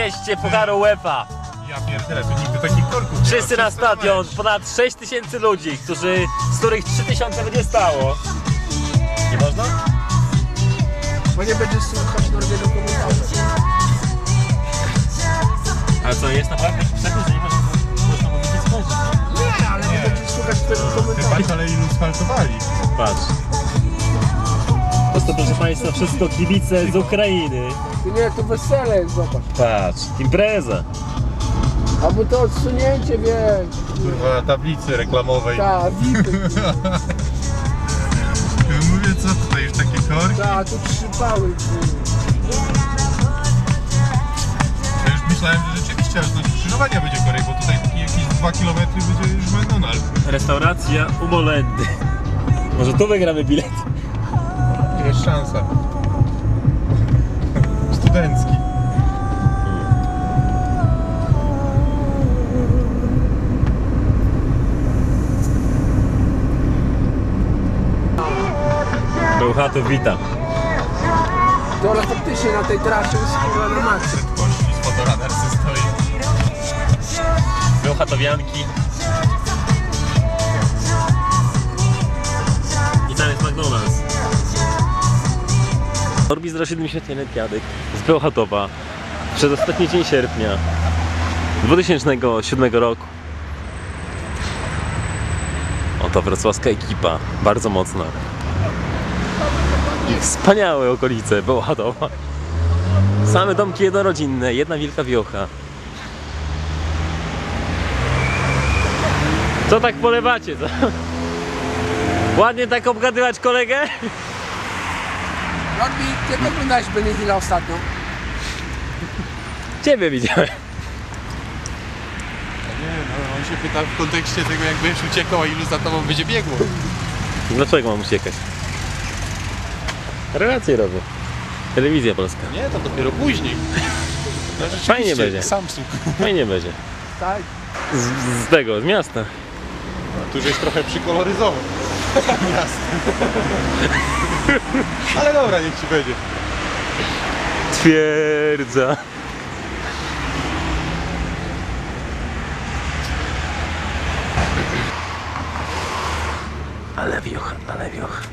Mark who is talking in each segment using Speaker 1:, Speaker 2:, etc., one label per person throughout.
Speaker 1: mieście Pucharu UEFA.
Speaker 2: Ja pierdzielę, to nigdy takich korków nie
Speaker 1: Wszyscy
Speaker 2: ma.
Speaker 1: na stadion, ponad 6000 ludzi, z których 3000 będzie stało. Nie można?
Speaker 3: Bo nie będziesz słuchać Norwiego komentarza.
Speaker 1: Ale co, jest naprawdę jakiś przepis, że nie można mówić nic spojrzeć?
Speaker 3: Nie, ale nie będziesz słuchać tego komentarza.
Speaker 2: Patrz, ale ilu sfaltowali.
Speaker 1: Patrz. Po prostu, proszę Państwa, wszystko kibice z Ukrainy.
Speaker 3: Nie, to wesele jest, zobacz.
Speaker 1: Patrz, impreza.
Speaker 3: Albo to odsunięcie, wiesz.
Speaker 2: Kurwa, na tablicy reklamowej.
Speaker 3: Ta, wipy.
Speaker 2: Mówię, co tutaj już takie korki?
Speaker 3: Ta, tu trzypały.
Speaker 2: Ja już myślałem, że rzeczywiście aż do skrzyżowania będzie korek, bo tutaj taki jakieś 2 km będzie już McDonald's.
Speaker 1: Restauracja Umolendy. Może tu wygramy bilet?
Speaker 2: Jest szansa. Studencki.
Speaker 1: Bełchatów wita.
Speaker 3: To ale faktycznie na tej trasie jest kurwa na maksa.
Speaker 2: Prędkości niż fotoradar co stoi.
Speaker 1: Bełchatowianki. I tam jest McDonald's. Orbis 07 Piadek z Bełchatowa przez ostatni dzień sierpnia 2007 roku. Oto wrocławska ekipa, bardzo mocna. I wspaniałe okolice Bełchatowa. Same domki jednorodzinne, jedna wielka wiocha. Co tak polewacie, co? Ładnie tak obgadywać kolegę?
Speaker 3: Norbi, kiedy oglądałeś Benny Hilla ostatnio?
Speaker 1: Ciebie widziałem.
Speaker 2: Nie, no on się pyta w kontekście tego, jak będziesz uciekał, a ilu za tobą będzie biegło.
Speaker 1: Dlaczego mam uciekać? Relacje robię. Telewizja polska.
Speaker 2: Nie, to dopiero później. No, rzeczywiście,
Speaker 1: Fajnie będzie.
Speaker 2: Samsung.
Speaker 1: Fajnie będzie.
Speaker 3: Tak.
Speaker 1: Z miasta.
Speaker 2: Tu już jest trochę przykoloryzował. Jasne. Ale dobra, niech ci będzie.
Speaker 1: Twierdza. Ale wiocha, ale wiocha.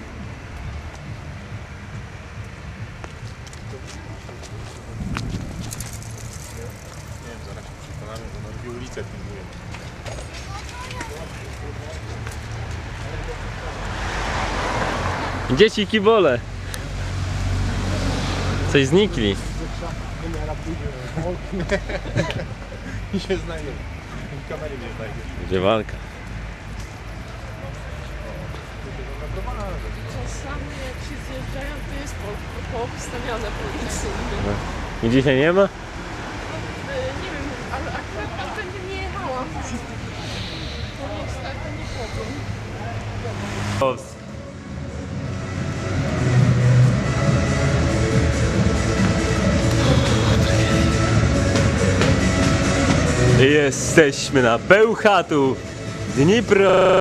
Speaker 2: Nie wiem, zaraz się przekonamy, bo na dwie ulice filmuję.
Speaker 1: Dzieci kibole. Coś znikli.
Speaker 2: I się znajdzie. I kamery nie znajdzie.
Speaker 1: Będzie walka.
Speaker 4: Czasami jak się zjeżdżają, to jest poobstawiane policyjnie.
Speaker 1: I dzisiaj nie ma?
Speaker 4: Nie wiem, ale akurat tamtędy nie jechałam. To niestety nie powiem.
Speaker 1: Jesteśmy na Bełchatu, Dnipro.